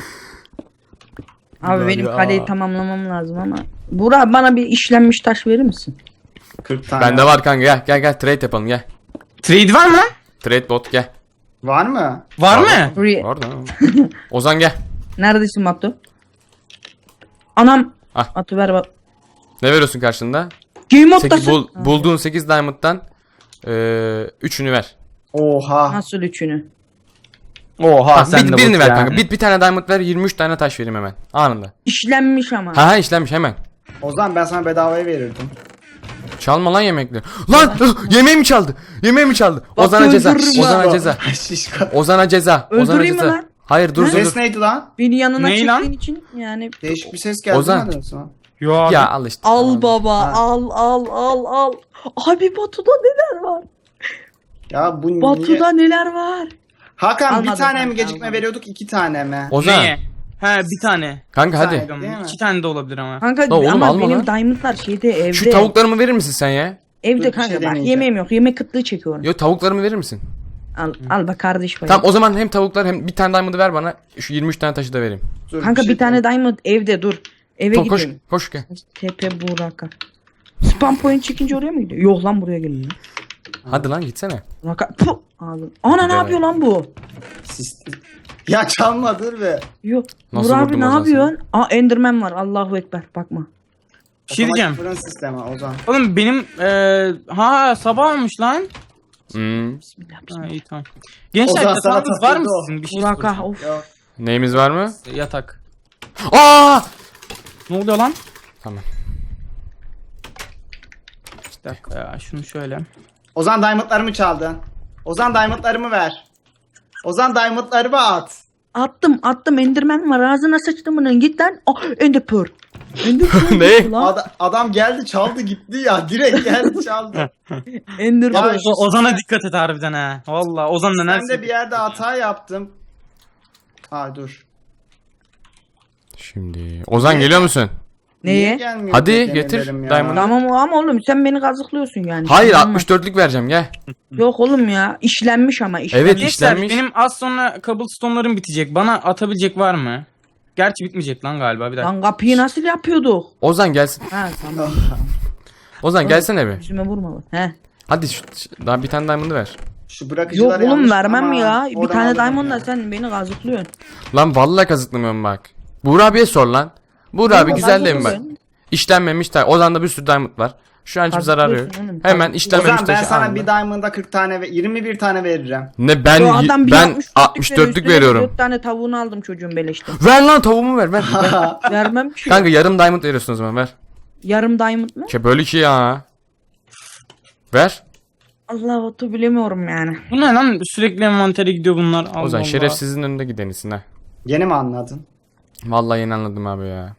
Speaker 2: Abi
Speaker 1: Ulan
Speaker 2: benim
Speaker 1: ya.
Speaker 2: kaleyi tamamlamam lazım ama. Burak bana bir işlenmiş taş verir misin?
Speaker 4: kırk tane.
Speaker 1: Bende var kanka gel gel gel trade yapalım gel.
Speaker 3: Trade var mı lan?
Speaker 1: Trade bot gel.
Speaker 4: Var mı?
Speaker 3: Var
Speaker 1: Var
Speaker 3: mı?
Speaker 2: Buraya.
Speaker 1: Var da. Ozan gel.
Speaker 2: Neredesin Batu? Anam.
Speaker 1: Ah.
Speaker 2: Atı ver bak.
Speaker 1: Ne veriyorsun karşında?
Speaker 2: Game
Speaker 1: Sekiz,
Speaker 2: modtasın.
Speaker 1: bul, bulduğun sekiz diamond'dan eee üçünü ver.
Speaker 4: Oha.
Speaker 2: Nasıl üçünü?
Speaker 3: Oha
Speaker 1: Ha,
Speaker 3: sen
Speaker 1: bir,
Speaker 3: de
Speaker 1: birini
Speaker 3: bot
Speaker 1: ver
Speaker 3: ya.
Speaker 1: kanka. Bir, bir tane diamond ver, yirmi üç tane taş vereyim hemen. Anında.
Speaker 2: İşlenmiş ama.
Speaker 1: Ha ha işlenmiş hemen.
Speaker 4: O zaman ben sana bedavaya verirdim.
Speaker 1: Çalma lan yemekleri. Lan yemeğimi çaldı. Yemeğimi çaldı.
Speaker 2: Bak,
Speaker 1: Ozan'a ceza.
Speaker 2: öldürürüm
Speaker 1: Ozan'a
Speaker 2: ha.
Speaker 1: ceza.
Speaker 4: Şişko.
Speaker 1: Ozan'a ceza. Ozan'a
Speaker 2: Öldüreyim mi
Speaker 1: ceza.
Speaker 2: lan?
Speaker 1: Hayır dur dur
Speaker 4: Ses
Speaker 1: dur.
Speaker 4: neydi lan?
Speaker 2: Beni yanına
Speaker 3: Ney lan?
Speaker 2: çektiğin için yani.
Speaker 4: Değişik bir ses geldi.
Speaker 1: Ozan.
Speaker 4: Ozan. Sonra.
Speaker 3: Yo abi.
Speaker 1: Ya al işte.
Speaker 2: Al baba
Speaker 4: Ha.
Speaker 2: al al al al. Abi Batu'da neler var?
Speaker 4: Ya bu niye?
Speaker 2: Batu'da neler var?
Speaker 4: Hakan bir
Speaker 2: Almadım
Speaker 4: tane mi
Speaker 2: kanka,
Speaker 4: gecikme
Speaker 2: almadım.
Speaker 4: veriyorduk iki tane mi?
Speaker 1: Ozan.
Speaker 3: Neye? He bir tane.
Speaker 1: Kanka hadi.
Speaker 4: Sen- Değil mi?
Speaker 3: İki tane de olabilir ama.
Speaker 2: Kanka
Speaker 1: La oğlum,
Speaker 2: ama
Speaker 1: alma
Speaker 2: benim
Speaker 1: lan.
Speaker 2: diamondlar şeyde evde.
Speaker 1: Şu tavuklarımı verir misin sen ya?
Speaker 2: Evde
Speaker 4: Dur, bir
Speaker 2: kanka
Speaker 4: şey
Speaker 2: bak
Speaker 4: deneyeceğim.
Speaker 2: yemeğim yok. Yemek kıtlığı çekiyorum.
Speaker 1: Yo tavuklarımı verir misin?
Speaker 2: Al al bak kardeş payı.
Speaker 1: Tamam o zaman hem tavuklar hem bir tane diamond'ı ver bana. Şu yirmi üç tane taşı da vereyim.
Speaker 4: Dur,
Speaker 2: Kanka bir,
Speaker 4: şey-
Speaker 2: tane diamond evde dur. Eve
Speaker 1: Ko- koş
Speaker 2: gidelim.
Speaker 1: koş gel.
Speaker 2: T P Burak'a. Spam point çekince oraya mı gidiyor? Yok lan buraya geliyor.
Speaker 1: Hadi lan gitsene.
Speaker 2: Burak'a puh aldım. Ana ne
Speaker 1: Gidelim.
Speaker 2: yapıyor lan bu?
Speaker 4: Sis- Ya çalma dur be.
Speaker 2: Yok.
Speaker 1: Nasıl
Speaker 2: Burak abi
Speaker 1: vurdum
Speaker 2: ne
Speaker 1: o zaman
Speaker 2: yapıyorsun? Aa Enderman var. Allahu ekber. Bakma.
Speaker 3: Bir şey diyeceğim.
Speaker 4: Otomatik fırın sistemi Ozan.
Speaker 3: Oğlum benim eee ha sabah olmuş lan.
Speaker 1: Hmm.
Speaker 2: Bismillah
Speaker 3: Ha
Speaker 2: bismillah.
Speaker 3: iyi tamam. Gençler
Speaker 4: Ozan sana
Speaker 3: yatağınız var mı
Speaker 4: takıldı o.
Speaker 3: sizin? Bir şey
Speaker 2: Burak'a
Speaker 3: soracağım.
Speaker 2: of.
Speaker 4: Yok.
Speaker 1: Neyimiz var mı?
Speaker 3: Yatak.
Speaker 1: Aa!
Speaker 3: Ne oluyor lan?
Speaker 1: Tamam.
Speaker 3: Bir dakika ya şunu şöyle.
Speaker 4: Ozan diamondlarımı çaldın. Ozan diamondlarımı ver. Ozan diamondlarımı at.
Speaker 2: Attım attım Enderman var. Ağzına sıçtım bunun. Git lan. Oh, Ender Pearl. Ender Pearl
Speaker 1: Ne?
Speaker 2: gitti lan.
Speaker 4: Ad- adam geldi çaldı gitti ya. Direkt geldi çaldı.
Speaker 2: Ender
Speaker 4: Ya
Speaker 2: Pearl.
Speaker 4: şu-
Speaker 3: O- Ozan'a dikkat et harbiden ha. Valla Ozan da
Speaker 4: Ben
Speaker 3: nerede?
Speaker 4: de bir yerde hata yaptım. Ha dur.
Speaker 1: Şimdi Ozan geliyor musun?
Speaker 4: Niye
Speaker 2: Neye?
Speaker 4: gelmiyor
Speaker 1: Hadi
Speaker 4: diye
Speaker 1: getir
Speaker 4: denerim ya.
Speaker 1: diamond'ı.
Speaker 2: Tamam ama oğlum sen beni kazıklıyorsun yani.
Speaker 1: Hayır
Speaker 2: Tamam.
Speaker 1: altmış dörtlük vereceğim gel.
Speaker 2: Yok oğlum ya. İşlenmiş ama işlenmiş.
Speaker 1: Evet.
Speaker 3: Gençler
Speaker 1: işlenmiş.
Speaker 3: benim az sonra cobblestone'larım bitecek. Bana atabilecek var mı? Gerçi bitmeyecek lan galiba bir dakika.
Speaker 2: Lan kapıyı nasıl yapıyorduk?
Speaker 1: Ozan gelsin.
Speaker 2: Ha tamam.
Speaker 1: Ozan gelsene bir.
Speaker 2: Yüzüme vurma bak. He.
Speaker 1: Hadi şu, şu- daha bir tane diamond'ı ver.
Speaker 4: Şu
Speaker 2: Yok
Speaker 4: bırakıcılar
Speaker 2: oğlum
Speaker 4: yanlış
Speaker 2: vermem
Speaker 4: ama
Speaker 2: ya. Bir
Speaker 4: oradan
Speaker 2: tane
Speaker 4: alırım
Speaker 2: diamondla
Speaker 4: ya.
Speaker 2: sen beni kazıklıyorsun.
Speaker 1: Lan vallahi kazıklamıyorum bak. Buğra abiye sor lan. Buğra abi
Speaker 2: Yok,
Speaker 1: güzel değil mi bak?
Speaker 2: kazıklıyorsun.
Speaker 1: İşlenmemiş taş. Ozan'da bir sürü diamond var. Şu an hiçbir zararı yok.
Speaker 2: Kazıklıyorsun oğlum.
Speaker 1: Hemen işlenmemiş
Speaker 4: Ozan ben
Speaker 1: taşı
Speaker 4: sana
Speaker 1: aldım.
Speaker 4: bir diamond'a kırk tane ve yirmi bir tane veririm.
Speaker 1: Ne ben
Speaker 2: Yo, adam bir
Speaker 1: ben
Speaker 2: altmış dörtlük
Speaker 1: altmış
Speaker 2: veriyor,
Speaker 1: dörtlük
Speaker 2: üstüne
Speaker 1: veriyorum.
Speaker 2: dört tane tavuğunu aldım çocuğun beleşte.
Speaker 1: Ver lan tavuğumu ver ver. ver.
Speaker 2: Vermem ki.
Speaker 1: Kanka yarım diamond veriyorsun o zaman ver.
Speaker 2: Yarım diamond mı?
Speaker 1: Ke böyle ki ya. Ver.
Speaker 2: Allah otu bilemiyorum yani.
Speaker 3: Bu ne lan? Sürekli envantere gidiyor bunlar. Allah
Speaker 1: Ozan
Speaker 3: Allah.
Speaker 1: şerefsizin önünde gidenisin ha.
Speaker 4: Yeni mi anladın?
Speaker 1: Vallahi yeni anladım abi ya.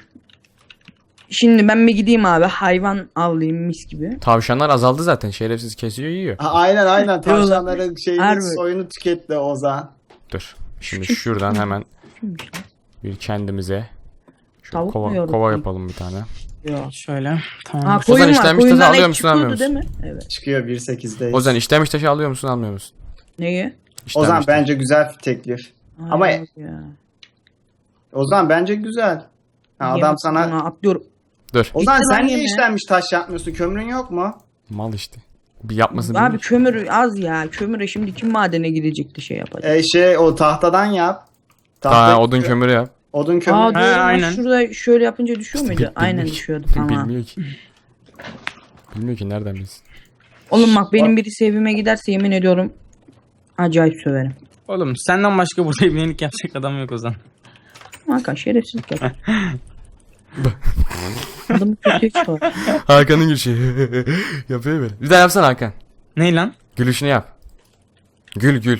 Speaker 2: Şimdi ben bir gideyim abi hayvan avlayayım mis gibi.
Speaker 1: Tavşanlar azaldı zaten. Şerefsiz kesiyor yiyor.
Speaker 4: Ha, aynen aynen tavşanların şeyini
Speaker 2: Harbi.
Speaker 4: soyunu tüketti Ozan.
Speaker 1: Dur. Şimdi şuradan hemen bir kendimize şu
Speaker 2: Tavuk mu
Speaker 1: kova,
Speaker 2: yiyoruz?
Speaker 1: kova yapalım bir tane.
Speaker 2: Yok.
Speaker 3: Şöyle. Tamam.
Speaker 2: Ha
Speaker 1: Ozan
Speaker 2: koyun var.
Speaker 1: işlenmiş taşı
Speaker 2: Koyundan
Speaker 1: alıyor
Speaker 2: et
Speaker 1: musun, almıyor
Speaker 2: çıkıyordu
Speaker 1: musun?
Speaker 2: değil mi? Evet.
Speaker 4: Çıkıyor bir sekizdeyiz.
Speaker 1: Ozan işlemiş taşı alıyor musun almıyor musun?
Speaker 2: Neyi?
Speaker 1: İşlenmiş
Speaker 4: Ozan
Speaker 1: taşı.
Speaker 4: bence güzel bir teklif. Ama-
Speaker 2: Ay, ya.
Speaker 4: Ozan bence güzel. Ha,
Speaker 2: Niye
Speaker 4: adam
Speaker 2: bak-
Speaker 4: sana...
Speaker 2: Ona atlıyorum.
Speaker 1: Dur.
Speaker 4: Ozan
Speaker 2: Gitti
Speaker 4: sen
Speaker 2: lan
Speaker 4: niye
Speaker 2: yine.
Speaker 4: işlenmiş taş yapmıyorsun? Kömürün yok mu?
Speaker 1: Mal işte. Bir yapmasın
Speaker 2: Abi
Speaker 1: bilmiyor.
Speaker 2: kömür az ya. Kömüre şimdi kim madene gidecekti şey yapacak.
Speaker 4: E şey o tahtadan yap.
Speaker 1: Daha odun kömürü yap.
Speaker 4: Odun kömürü.
Speaker 2: Aa
Speaker 3: He,
Speaker 2: doğru lan,
Speaker 3: aynen.
Speaker 2: şurada şöyle yapınca düşüyor muydu?
Speaker 1: Bilmiyor
Speaker 2: Aynen
Speaker 1: ki.
Speaker 2: düşüyordu tamam.
Speaker 1: Bilmiyor ki. Bilmiyor ki nereden bilsin.
Speaker 2: Oğlum bak benim birisi evime giderse yemin ediyorum acayip söverim.
Speaker 3: Oğlum senden başka burada evlilik yapacak adam yok Ozan.
Speaker 2: Hakan şerefsizlik yap. Adamı kötüye çıkar.
Speaker 1: Hakan'ın gülüşü. Yapıyor böyle. Bir daha yapsana Hakan.
Speaker 3: Ney lan?
Speaker 1: Gülüşünü yap. Gül gül.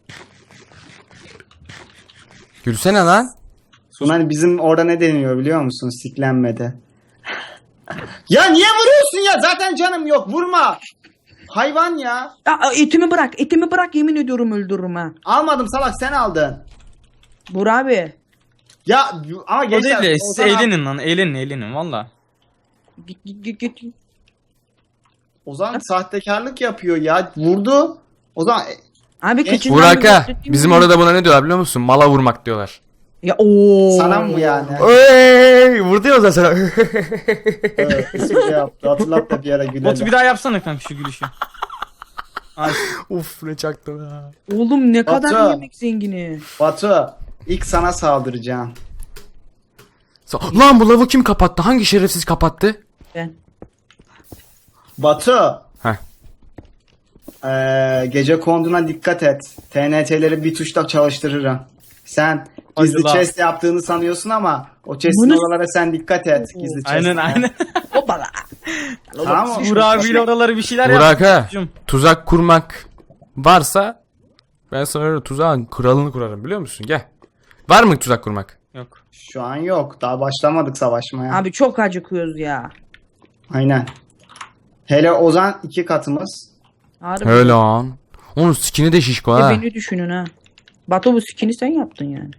Speaker 1: Gülsene lan.
Speaker 4: Buna hani bizim orada ne deniyor biliyor musun? Siklenmede. Ya niye vuruyorsun ya? Zaten canım yok. Vurma. Hayvan ya.
Speaker 2: Ya etimi bırak etimi bırak yemin ediyorum öldürürüm ha.
Speaker 4: Almadım salak sen aldın.
Speaker 2: Burak abi.
Speaker 4: Ya ama
Speaker 3: O
Speaker 4: gençler.
Speaker 3: değil de siz
Speaker 4: Ozan,
Speaker 3: eğlenin lan. Eğlenin eğlenin valla.
Speaker 2: Git git git git.
Speaker 4: Ozan sahtekarlık yapıyor ya. Vurdu. Ozan
Speaker 2: Abi
Speaker 4: Geç-
Speaker 2: kıçından
Speaker 1: Buraka.
Speaker 2: göstereyim
Speaker 1: Bizim
Speaker 2: mi?
Speaker 1: orada buna ne diyorlar biliyor musun? Mala vurmak diyorlar.
Speaker 2: Ya ooo.
Speaker 4: sana mı yani?
Speaker 1: Oy, vurdu ya o zaman sana.
Speaker 4: Evet, espri yaptı. Hatırlat da bir ara
Speaker 3: Botu
Speaker 4: gülelim.
Speaker 3: bir daha yapsana kanka şu gülüşü. Ay,
Speaker 1: Uf ne çaktım ha.
Speaker 2: Oğlum ne kadar
Speaker 4: Batu.
Speaker 2: yemek zengini.
Speaker 4: Batu ilk sana saldıracağım.
Speaker 1: Sa- Lan bu lavı kim kapattı? Hangi şerefsiz kapattı?
Speaker 2: Ben.
Speaker 4: Batu.
Speaker 1: Heh.
Speaker 4: Ee, gece konduğuna dikkat et. T N T'leri bir tuşla çalıştırırım. Sen gizli
Speaker 3: Hadi lan.
Speaker 4: chest yaptığını sanıyorsun ama o chest'in
Speaker 2: Bunu-
Speaker 4: oralara sen dikkat et. Gizli chest.
Speaker 3: Aynen aynen.
Speaker 2: Hoppala.
Speaker 4: Tamam mı?
Speaker 3: Burak abiyle oraları bir şeyler
Speaker 1: Burak ha,
Speaker 3: yapmış.
Speaker 1: tuzak kurmak varsa ben sana öyle tuzağın kralını kurarım biliyor musun? Gel. Var mı tuzak kurmak?
Speaker 3: Yok.
Speaker 4: Şu an yok. Daha başlamadık savaşmaya.
Speaker 2: Abi çok acıkıyoruz ya.
Speaker 4: Aynen. Hele Ozan iki katımız.
Speaker 2: Harbi.
Speaker 1: Öyle lan. Onun skin'i de şişko
Speaker 2: Bir de
Speaker 1: ha.
Speaker 2: beni düşünün ha. Batu bu skin'i sen yaptın yani.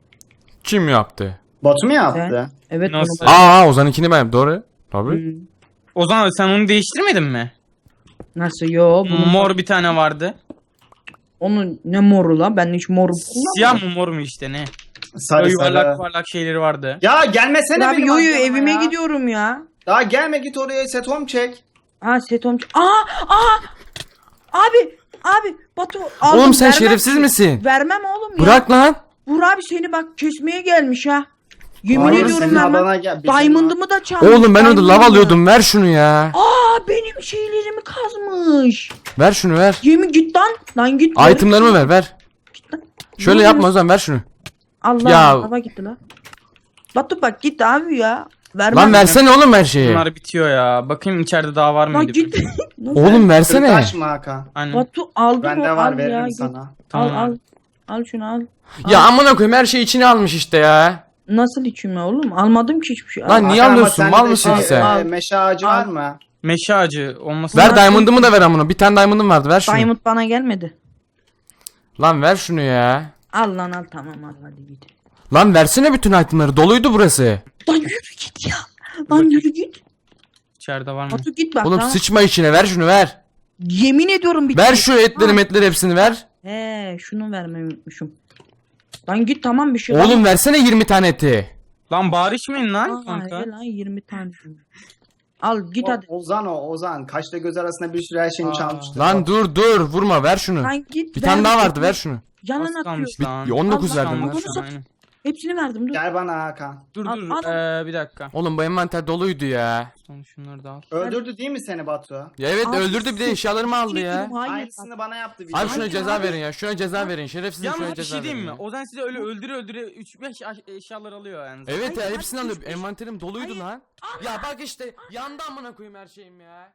Speaker 1: Kim yaptı?
Speaker 4: Batu mu yaptı?
Speaker 2: Sen? Evet.
Speaker 3: Nasıl?
Speaker 2: bunu-
Speaker 1: Aa Ozan'ınkini ben doğru. Tabii.
Speaker 2: Hmm.
Speaker 3: Ozan abi sen onu değiştirmedin mi?
Speaker 2: Nasıl yo? Bunun
Speaker 3: Mor bir tane vardı.
Speaker 2: Onun ne moru lan? Ben hiç mor
Speaker 3: Siyah mı mor mu işte ne?
Speaker 4: Sarı
Speaker 3: Böyle yuvarlak
Speaker 4: sarı.
Speaker 3: yuvarlak şeyleri vardı.
Speaker 4: Ya gelmesene
Speaker 2: Abi
Speaker 4: benim
Speaker 2: yo yo
Speaker 4: aklıma
Speaker 2: evime
Speaker 4: ya.
Speaker 2: gidiyorum ya.
Speaker 4: Daha gelme git oraya set home çek.
Speaker 2: Ha setom. Aa aa. Abi abi Batu aldım,
Speaker 1: Oğlum sen
Speaker 2: vermem
Speaker 1: şerefsiz
Speaker 2: ki.
Speaker 1: misin?
Speaker 2: Vermem oğlum ya.
Speaker 1: Bırak lan.
Speaker 2: Vur abi seni bak kesmeye gelmiş ha. Yemin
Speaker 4: Hayır,
Speaker 2: ediyorum
Speaker 4: senin
Speaker 2: vermem.
Speaker 4: adana gel- bizim-
Speaker 2: Diamond'ımı da çalmış.
Speaker 1: Oğlum ben orada lav
Speaker 2: diamond'ımı.
Speaker 1: alıyordum. Ver şunu ya.
Speaker 2: Aa benim şeylerimi kazmış.
Speaker 1: Ver şunu ver.
Speaker 2: Yemin git lan. Lan git.
Speaker 1: Itemlarımı ver ver. Şöyle yapma o zaman ver şunu.
Speaker 2: Allah
Speaker 1: Ya.
Speaker 2: hava gitti lan. Batu bak git abi ya. Vermem.
Speaker 1: Lan versene oğlum her şeyi.
Speaker 3: Bunlar bitiyor ya. Bakayım içeride daha var
Speaker 2: Lan
Speaker 3: mıydı?
Speaker 2: git. Nasıl?
Speaker 1: Oğlum versene.
Speaker 4: Kırtaş mı Hakan?
Speaker 3: Aynen.
Speaker 2: Batu aldım
Speaker 4: Bende
Speaker 2: o,
Speaker 4: var
Speaker 2: al
Speaker 4: veririm
Speaker 2: ya,
Speaker 4: sana.
Speaker 2: git.
Speaker 3: Tamam.
Speaker 2: Al al. Al şunu al.
Speaker 1: Ya amına koyayım her şeyi içine almış işte ya.
Speaker 2: Nasıl içime oğlum? Almadım ki hiçbir şey. Al.
Speaker 1: Lan niye
Speaker 4: Hakan ama
Speaker 1: alıyorsun?
Speaker 4: sende
Speaker 1: Mal
Speaker 4: de
Speaker 1: mısın
Speaker 4: şey,
Speaker 1: sen?
Speaker 4: e, meşe ağacı
Speaker 2: Al.
Speaker 4: var mı?
Speaker 3: Meşe ağacı olması
Speaker 1: Ver
Speaker 2: Bunlar-
Speaker 1: diamond'ımı da ver amına. Bir tane diamond'ım vardı ver şunu.
Speaker 2: Diamond bana gelmedi.
Speaker 1: Lan ver şunu ya.
Speaker 2: Al lan al tamam al hadi git.
Speaker 1: Lan versene bütün itemları. Doluydu burası.
Speaker 2: Lan yürü git ya. Lan yürü git.
Speaker 3: içeride var mı?
Speaker 2: Batu git bak
Speaker 1: Oğlum
Speaker 2: tamam.
Speaker 1: sıçma içine ver şunu ver.
Speaker 2: Yemin ediyorum bir
Speaker 1: Ver şu etleri metleri hepsini ver.
Speaker 2: He şunu vermeyi unutmuşum. Lan git tamam bir şey.
Speaker 1: Oğlum versene yirmi tane eti.
Speaker 3: Lan bağır içmeyin lan
Speaker 2: Aa,
Speaker 3: kanka.
Speaker 2: he lan yirmi tane. Al git
Speaker 4: O-
Speaker 2: hadi.
Speaker 4: Ozan o Ozan. Kaşla göz arasında bir sürü her şeyini
Speaker 3: Aa.
Speaker 4: çalmıştı.
Speaker 1: Lan dur dur vurma ver şunu.
Speaker 2: Lan git.
Speaker 1: Bir tane
Speaker 2: ver.
Speaker 1: daha vardı ver şunu.
Speaker 2: Yalan
Speaker 3: Az
Speaker 2: atıyor.
Speaker 3: kalmış lan.
Speaker 1: Bir- on dokuz
Speaker 2: Allah
Speaker 1: verdim
Speaker 2: Allah.
Speaker 1: lan.
Speaker 2: Bunu sat-
Speaker 3: Aynen.
Speaker 2: Hepsini verdim dur.
Speaker 4: Gel bana Hakan.
Speaker 3: Dur
Speaker 2: Al,
Speaker 3: dur
Speaker 2: al.
Speaker 3: ee, bir dakika.
Speaker 1: Oğlum bu envanter doluydu ya.
Speaker 3: Son şunları da al.
Speaker 4: Öldürdü değil mi seni Batu?
Speaker 1: Ya evet
Speaker 2: Abi,
Speaker 1: öldürdü bir de eşyalarımı aldı ya.
Speaker 2: Hayır.
Speaker 4: Aynısını bana yaptı. bir
Speaker 1: Abi
Speaker 4: de.
Speaker 1: şuna
Speaker 2: Hayır
Speaker 1: ceza
Speaker 2: abi.
Speaker 1: verin ya. Şuna ceza verin. Şerefsizim
Speaker 3: Yalnız
Speaker 1: şuna
Speaker 3: bir
Speaker 1: ceza
Speaker 3: şey diyeyim
Speaker 1: verin.
Speaker 3: mi?
Speaker 1: ya.
Speaker 3: Ozan size öyle öldüre öldüre üç beş eşyalar alıyor yani.
Speaker 1: Evet ya
Speaker 2: Hayır,
Speaker 1: hepsini
Speaker 2: hayır,
Speaker 1: alıp
Speaker 2: hiçbir-
Speaker 1: envanterim doluydu lan. Ya bak işte yandı amına koyayım her şeyim ya.